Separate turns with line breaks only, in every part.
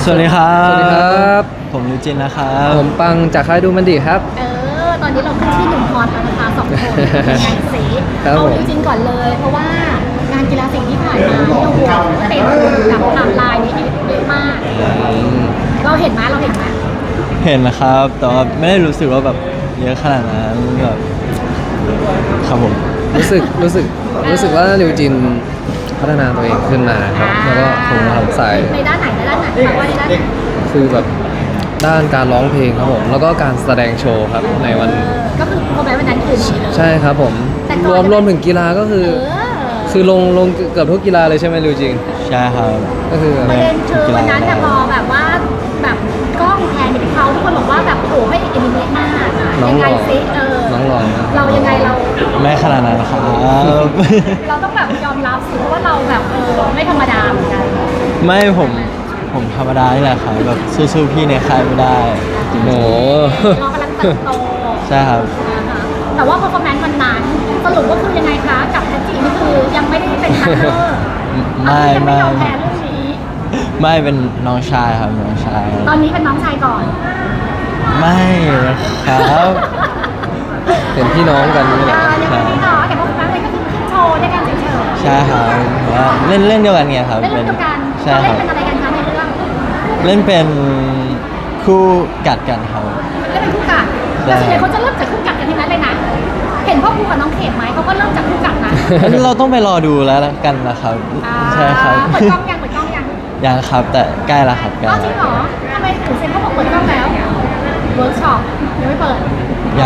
สวัสดีครับ
สวัสดีครับ
ผมยูจินนะครับ
ผมปังจากค่ายดูมันดีครับ
ตอนนี้เราขึ้นที่หนุ่มพรแล้วนะคะสองคนเป็นไงสิ
ครับ
เอา
ผม
จริงๆก่อนเลย เพราะว่างานกีฬาสีที่ผ่านมาเนี่ยโอ้โหเต็มกับไทม์ไลน์นี้เยอะมาก เราเห็นไหม
เห็นนะครับ แต่ว่าไม่ได้รู้สึกว่าแบบเยอะขนาดนั้นแบบครับผม
รู้สึกว่าลิวจินพัฒนาตัวเองขึ้นมาครับ แล้วก็ผมทำสาย
ในด้านไหนแปลว่าในด้านไหน
คือแบบด้านการร้องเพลงครับผม แล้วก็การแสดงโชว์ครับในวัน
ก็คือโปรแกรมวันนั้นคือนี้เลย
ใช่ครับผม
แต่ก่อน
รวมถึงกีฬาก็คือ คือลงเกือบทุกกีฬาเลยใช่ไหมลิวจิน
ใช่ครับ
ก็คือ
ประเด็นคือวันนั้นแต่ยพอแบบว่าแบบกล้องแพนไปที่เขาทุกคนบอกว่าแบบโอ้โหให้เอนิเมะมาก
น้อง
ยัง
ห
ไง
ล่อ
ซิ
น้องหล่อมาก
เรายังไงเรา
ไม่ขนาดนั้นครับ
เราต้องแบบยอมรับสิเพราะว่าเราแบบไม่ธรรมดาเหมือนกัน
ไม่ผมธรรมดานี่แหละครับแบบสู้ๆพี่ในค่ายไม่ได้
โอ้โห
เรากำลังเติบโต
ใช่ครับ
นะคะแต่ว่า performance วันนั้นสรุปว่าคือยังไงคะกับแพทจีนี่คือยังไม่ได้เป็นพาร์ทเนอร์
ไม่
ยัง
ไม่
ไม่ยอมแพ้เรื่องนี้
ไม่เป็นน้องชายครับน้องชาย
ตอนนี้เป็นน้องชายก่อน
ไม่ครับ
เป็นพี่น้องกันนี่แหละ
ยังไม่ได้ต่อแต่ performance เลยก็คือขึ้นโชว์ด้วยกันเฉย
ใช่ครับว่าเล่นเดียวกันไงครับ
ๆเล่นเดียวกัน
ใช่
เรา
ค
เล่
รั
น
บ
เป็นอะไรกันคะในเรื่อง
เล่นเป็นคู่กัดกันครับ
เล่นเป็นคู่กัด
ใช่
แต่ส่วนใหญ่เขาจะเริ่มจากคู่กัดกันทั้งนั้นเลยนะ เห็นพ่อครูกับน้องเขมไหมเขาก็เริ่มจากคู่กัดนะ
เราต้องไปรอดูแล้วกันนะครับ ใช่ครับ
เปิดกล้องยัง
ยังครับแต่ใกล้แล้วครับใกล้
อ้าวจริงเหรอทำไมถึงเซ็นเขาบอกเปิดกล้องแล้วเวิร์กช็อปยังไม่เปิด
ยัง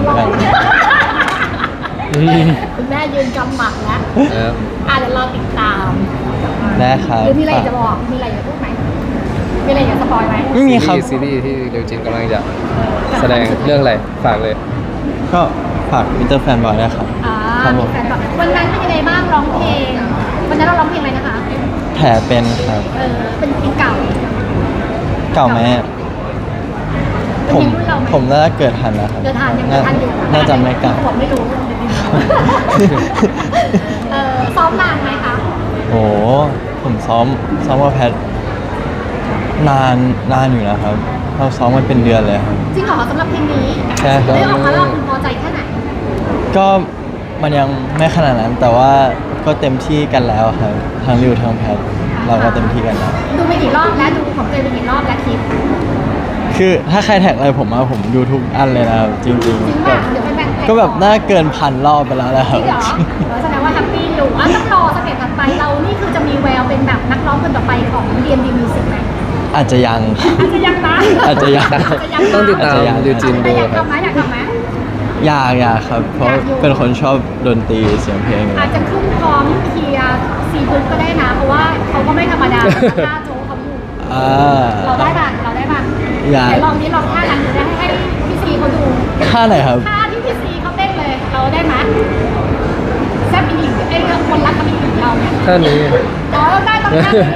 คุณแม่ยืนกำหมัดแล้ว
ครับ
เดี๋ยวรอติดตาม
ได้ครับ
หรือมีอะไรจะบอกมีอะไรจะพูดไหมมีอะไรอยากสปอยไหม
ไม่มีครับ
ซีรีส์ที่ลิวจินกำลังจะแสดงเรื่องอะไรฝากเลย
ก็ฝากมิเตอร์แฟนบอยด้วยครับ ครับผ
มี
ม
แฟนแบบวันนั้นเป็นยังไงบ้างร้องเพลงวันนั้นเราร้องเพลงอะไรนะคะ
แผลเป็นครับ
เป็นเพลงเก่า
เก่าไหมอะผมน่าจะเกิดทันแล้วครับ
เดินทางยังเดินทางอยู่
น่าจะไม่เก่า
ผมไม่รู้ซ้อมนานไหมคะ
โอ้ผมซ้อมว่าแพทนานอยู่นะครับ เราซ้อมมันเป็นเดือนเลยครับ
จริงเหรอสำหรับเพลงนี้
ใช่ครับ
ได้ออกมาแล้วคุณพอใจแค่ไหน
ก็มันยังไม่ขนาดนั้น แต่ว่าก็เต็มที่กันแล้วครับทั้งริวทั้งแพทเราก็เต็มที่กันแล้ว
ดูไปกี่รอบแล้วดูของเจนไปกี่รอบแล้วคลิป
คือถ้าใครแท็กอะไรผมมาผมดูทุกอันเลยนะครับจริง
จริง
ๆ
ป่ะเดี๋ยวไปแบ่ง
ก็แบบน่าเกิน1,000 รอบไปแล้วนะค
จ
รั
ริ
บ
งเหรอแสดงว่าแฮปปี้อยู่ต้องรอสเต็ปถัดไปเรานี่คือจะมีแววเป็นแบบนักร้องคนต่อไปของ DMD Music ไหม
อาจจะยัง
อาจจะยังนะ
อาจจะยัง
ต้องติดตาม
อาจจะยัง
ลิวจิน
แต่
ดู
อยาก
ครับ
ทำไหมอยากทำไหม
อยากครับ เพราะ
อยากอยู่
เป็นคนชอบดนตรีเสียงเพลงอยู่
อาจจะขึ้นพร้อมเคลียร์ซีพึกก็ได้นะ เพราะว่าเขาก็ไม่ธรรมดาท่าโจ๊กเขาอยู่
อ่า
เราได้ป่ะ
อยาก
ไหนลองนี้ลองท่านั้นจะให้พี่ซีเขาดู
ท่าไหนครับ
ท่าที่พี่ซีเขาเต้นเลย เราได้ไหมแซ่บอีหญิงไอ้เรื่องคนรักกับอีหญิงเราเนี่ย
ท่านี้
เราได้ต้องท่านี้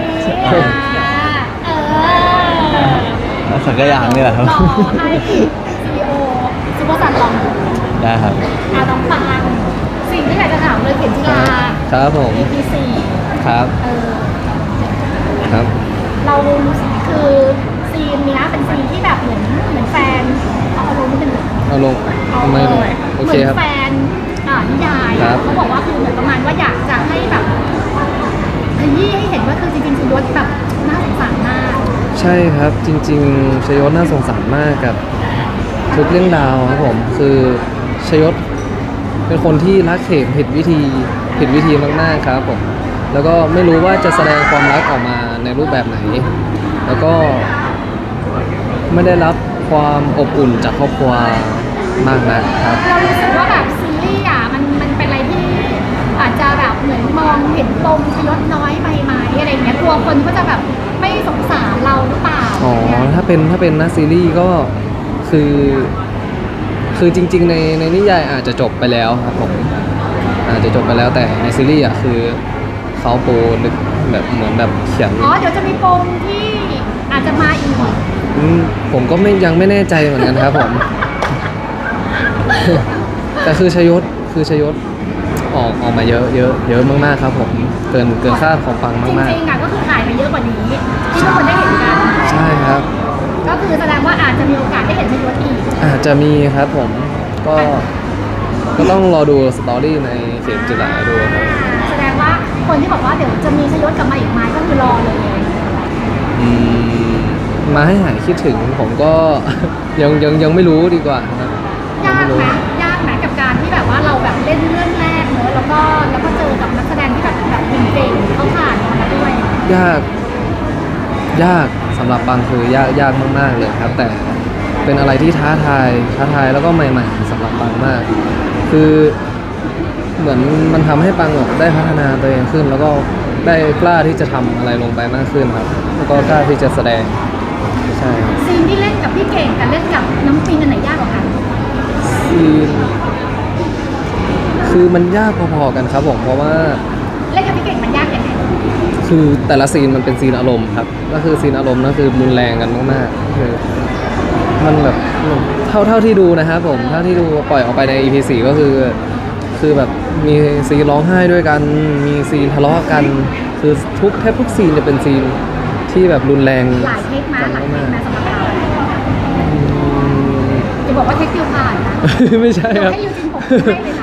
สักอย่างนี่แหละครับ
รอให้ซีโอซูเปอร์ซันลองดู
ได้ครับ
น้องปังสิ่งที่อยากจะถามเลยเข็มจิลา
ครับผม
AP4
ครับ ครับ
เรารู้สึกคือซีนเนี้ยเป็นซีนที่แบบเหมือนแฟนเอาลงนิดนึง
เอาลงทำไมลงโอเคครับ
เหมือนแฟนนิยาย
ครับ
เขาบอกว่าคือเหมือนประมาณว่าอยากจะให้แบบขยี้ให้เห็นว่าคือจริงๆคือยศแบบน่าสงสารมาก
ใช่ครับจริงๆชยศน่าสงสารมากกับทุกเรื่องราวครับผมคือชยศเป็นคนที่รักเขมผิดวิธีมากๆครับผมแล้วก็ไม่รู้ว่าจะแสดงความรักออกมาในรูปแบบไหน แล้วก็ไม่ได้รับความอบอุ่นจากครอบครัวมากนักครับ
เรารู้สึกว่าแบบซีรีส์มันเป็นอะไรที่อาจจะแบบเหมือนมองเห็นปมชยศน้อยไปไหมอะไรเงี้ยกลัวคนก็จะแบบไม่สงสารเราหรือเปล่า
อ๋อ
เนี่ย
ถ้าเป็นนักซีรีส์ก็คือจริงๆในนิยายอาจจะจบไปแล้วครับผมอาจจะจบไปแล้วแต่ในซีรีส์อ่ะคือเขาปูลึกแบบเหมือนแบบเขียน
อ๋อเดี๋ยวจะมีปมที่อาจจะมาอีก
ผมก็ยังไม่แน่ใจเหมือนกันครับผม แต่คือชยศออกมาเยอะมากๆครับผมเกินคาดของปัง
จ
มาก
ริงๆอ่ะก็คือถ่ายไปเยอะกว่านี้ที่ทุกคนได้เห็นกัน
ๆใช่ครับ
ก็คือแสดงว่าอาจจะมีโอกาสได้เห็นชยศอีก
อาจจะมีครับผมก็ต้องรอดูสตอรี่ในเข็มจิราดูครับ
แสดงว่าคนที่บอกว่าเดี๋ยวจะมีชยศกลับมาอีกไหมก็คือรอเลย
อืมมาให้หายคิดถึงผมก็ ยังไม่รู้ดีกว่าครับ
ยาก
ไม่รู้
ไหมยากไหมกับการที่แบบว่าเราแบบเล่นเรื่องแรกเนอะแล้วก็เจอกับนักแสดงที่แบบเก่งๆเขาผ่านมาแล้วด้วย
ยากสำหรับบางคือยากมากๆเลยครับ แต่เป็นอะไรที่ท้าทายแล้วก็ใหม่ๆสำหรับบางมาก คือเหมือนมันทำให้ปังแบบได้พัฒนาตัวเองขึ้น แล้วก็ได้กล้าที่จะทำอะไรลงไปมากขึ้นครับ แล้วก็กล้าที่จะแสดงใช่ครับ
ซีนที่เล่นกับพี่เก่งกับเล่นกับน้ำปิงอันไหนยากกว่ากัน
ซีนคือมันยากพอๆกันครับผมเพราะว่า
เล่นกับพี่เก่งมันยากยังไง
คือแต่ละซีนมันเป็นซีนอารมณ์ครับก็คือซีนอารมณ์นั่นคือรุนแรงกันมากๆคือมันแบบเท่าที่ดูนะครับผมเท่าที่ดูปล่อยออกไปใน EP 4ก็คือแบบมีซีนร้องไห้ด้วยกัน มีซีนทะเลาะกัน คือแทบทุกซีนจะเป็นซีนที่แบบรุนแรง
หลายเทคมา
กัน
หลายเท
มา
ค
ก
มาสำหรับเรา
ๆอืม
จะบอกว่าเทคคิวผ่านนะ
ไม่ใช่ครับ
ให้ยูจินผมให้เลยนะ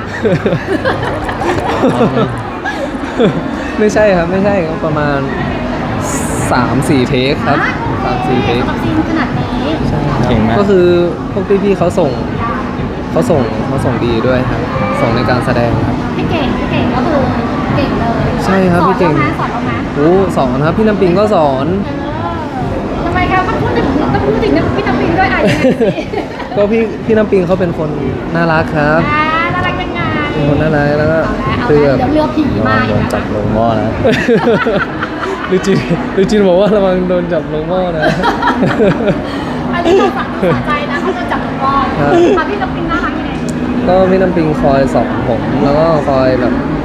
ไม่ใช่ครับไม่ใช่ครับประมาณ 3-4 เทคครับ 3-4 เทค
สำหรับซีนขนาดนี้
เก่งมาก
ก็คือพวกพี่ๆเขาส่งดีด้วยครับ ส่งในการแสดงครับ
พี่เก่งก็คือเก่งเลย
ใช่ครับพี่เก่ง
สอนเราไหม
โอ้สอนครับพี่น้ำปิงก็สอน
ทำไมครับต้องพูดถึงพี่น้ำปิงด้วยอ่ะยังไงสิ
ก็พี่น้ำปิงเขาเป็นคนน่ารักครับ
น่ารักยังไง
เป็นคนน่ารักแล้วก็
เอา
คือ
แล้
แบ
ว
บ
เดี๋ยวเรือผีมา
โด
อีก
นจับลงหม้อนะ
ลูจินบอกว่าระวังโดนจับลงหม้อนะ
อันนี้เราสั่งสอนใจนะเขาจะจับหลวงพ่อ
ครับ
ค่ะพี่น้ำปิงน่ารักยังไง
ก็พี่น้ำปิงคอยสอนผม แล้วก็คอย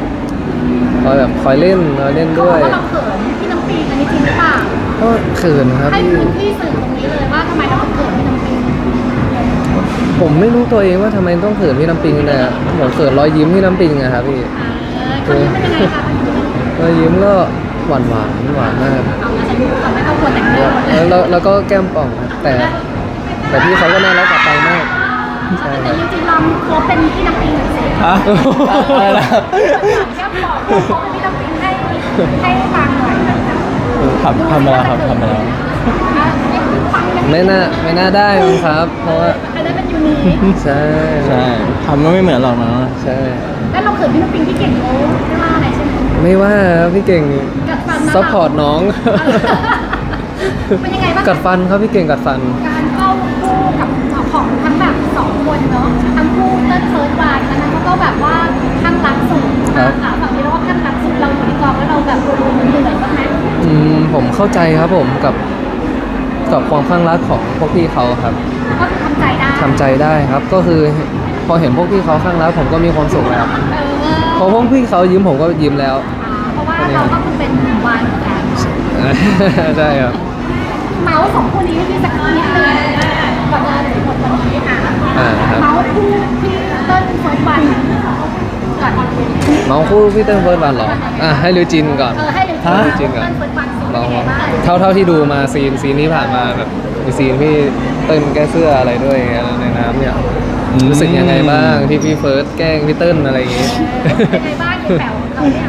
เล่น
เขาบ
ด้
อ
วย
กว่าเราเขินพี่น้ำปิงอันนี้จริงหรือเปล่า
ก็เขินครับ
ให้
พี่
พื้นที่สื่อตรงนี้เลยว่าทำไมเราถึงเขินพี่น้ำปิง
ผมไม่รู้ตัวเองว่าทำไมต้องเขินพี่น้ำปิงแต่ผมเขินรอยยิ้มพี่น้ำปิงอะครับพี่
คนนี้เป็นยังไงคะ
รอยยิ้มก็หวานมาก
เอาละฉันรู้ก่อนไม่ต้องกลัวแต่งเรื่อง
แล้วก็แก้มป่องครับแต่พี่เขาก็น่ารักกับปังมากใช่
แต่
ครับ
จริงๆลองโค้ชเป็นพี่น้ำปิงหน่อยสิ
ฮะอะไรนะ
แค่บอกโค้ชเป็นพี่น้ำปิงให้ฟังหน่อย
ทำไปแล้วครับทำไปแล้ว
ไม่น่าได้มั้งครับ เพราะว่า
อันนั้นเป็นยูนิค
ใช่
ใช่ทำก็ไม่เหมือนหรอกนะ
ใช่
แล้วเราเขินพี่น้ำปิงที่เก่งเขาไม่ว่าอะไรใช่ไหม
ไม่ว่าครับพี่เก่ง
กัดฟันนะ
ซัพพอร์ตน้อง
เป็นยังไงบ้าง
กัดฟันครับพี่เก่งกัดฟัน
การเข้าคู่กับของทั้งแบบสองคนเนาะทั้งคู่เต้นเฟิร์สวานอันนั้นเขาก็แบบว่าข้างรักสุด
ครับ
ค่ะฝั่งนี้เราก็ข้างรักสุดเราอยู่ในกองแล้วเราแบบเหนื่อยบ้างไหม
ผมเข้าใจครับผมกับความข้างรักของพวกพี่เขาครับ
ก็คือทำใจได้
ทำใจได้ครับ ก็คือพอเห็นพวกพี่เขาข้างรักผมก็มีความสุขแล้ว พอพวกพี่เขายิ้มผมก็ยิ้มแล้ว
เพราะว่าเราก็คือเป็นวานเหมือนกัน
ใช่ครับ
เมาส์สองคู่นี้พี่สักนิดนึงก่อนจะถึงหมดวันนี้ค่ะ
ครับ
เมาส์คู่ที่เต้นเฟิร์สวันก่อน
น้องคู่พี่เติ้ลเฟิร์สวันเหรอให้ลิวจินก่อน
ให้เลย
ฮะจริงเหรอ
เต้นเฟิร์สวันเป็น
ลอง
ยังไงบ้าง
เท่าที่ดูมาซีนที่ผ่านมาแบบมีซีนพี่เติ้ลแก้เสื้ออะไรด้วยในน้ำเนี่ยรู้สึกยังไงบ้างที่พี่เฟิร์สแกล้งพี่เติ้ลอะไรอย่างงี้
เป็นยังไงบ้างยังแป๋วของเราเนี่ย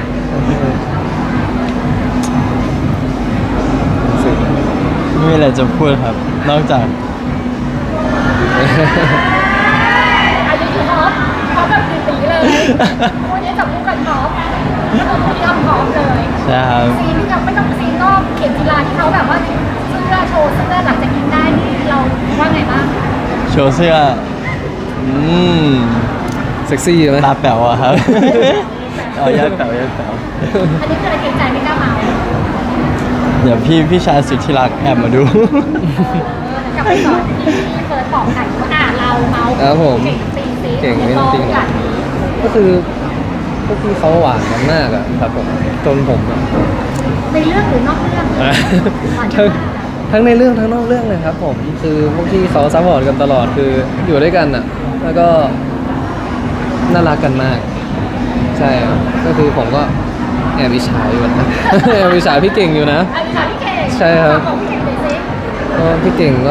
รู้สึก
ไม่มีอะไรจะพูดครับ นอกจาก
อันนี้คือท็อปแบบตีๆเลยคู่นี้จับคู่กันท็อปแล้วก็คู่นี้ทำท็อปเลย
ใช่ครับ
ซีนที่ยังไม่ต้องซีนนอกเข็มกีฬาที่เขาแบบว่าเสื้อโชว์เสื้อหลังจากกินได้นี่เราว่าไงบ้าง
โชว์เสื้อ
เซ็กซี่ไหม
ตาแป๋วอะครับ เอายอดแป๋วยอดแป๋ว
อันนี้คืออะไรเกรงใจไม่กล้าเมา
เดี๋ยวพี่ชายสุดที่รักแอบมาดู
กลับไปสอนที่เฟิร์สบอกไก่ว่าเราเมา
ครับผม
เก่งตีซี
เก่งไม่จริงหรอก ก็คือพวกพี่เขาหวานกันมากอะครับผมจนผมอะ
ในเรื่องหรือนอกเรื่องหวาน
ทั้ง
มาก
ทั้งในเรื่องทั้งนอกเรื่องเลยครับผมคือพวกพี่เขาซัพพอร์ตกันตลอดคืออยู่ด้วยกันอะแล้วก็น่ารักกันมาก ใช่ครับก็คือผมก็แอบอิจฉาอยู่นะ แอบอิจฉาพี่เก่งอยู่นะ
อันนี้ค่ะพี่เก่ง
ใช่ครับ
ของพี่เก่งเลยซิ
ก็พี่เก่งก็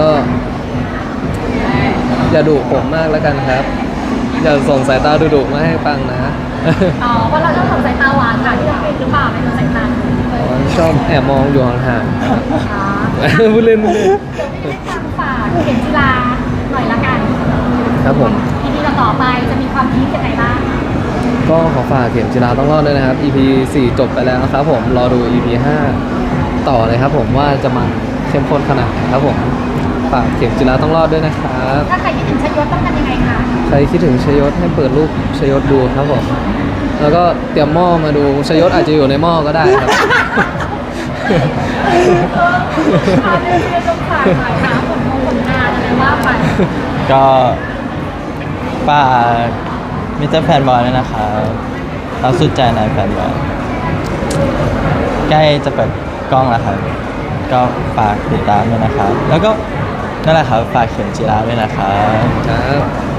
อย่าดุผมมากแล้วกันครับ อย่าส่งสายตาดุๆมาให้ปังนะ
อ๋อเพราะเราชอบส่งสายตาหวานค่ะที่เราเป็นหรือเปล่าเป็นสายตา
ชอบแอบมองอยู่ห่างๆครับ
อ๋อ
พูดเล่นพูดเล่น
เดี๋ยวพี่ได้ทางฝากเข็มจีราหน่อยละกัน
ครับผม
ทีนี้เราต่อไปจะมีความพีคยังไงบ้าง
ก็ขอฝากเข็มจีราต้องรอดด้วยนะครับ EP 4 จบไปแล้วครับผมรอดู EP 5 ต่อเลยครับผมว่าจะมาเข้มข้นขนาดไหนครับผมฝากเข็มจีราต้องรอดด้วยนะครับ
ถ้าใครคิดถึงชยศต้องทำยังไงคะ
ใครคิดถึงชยศให้เปิดรูปชยศดูครับผมแล้วก็เตรียมหม้อมาดูชยศอาจจะอยู่ในหม้อก็ได้ครับ
เอาเรื่องต้องฝากหน่อยค่ะผลงานอะไรว่าไป
ก็ฝากมิสเตอร์แฟนบอยด้วยนะครับเราสุดใจนายแฟนบอยใกล้จะเปิดกล้องแล้วครับ ก็ฝากติดตามด้วยนะครับ แล้วก็นั่นแหละครับฝากเข็มจีราด้วยนะครับ
ครับ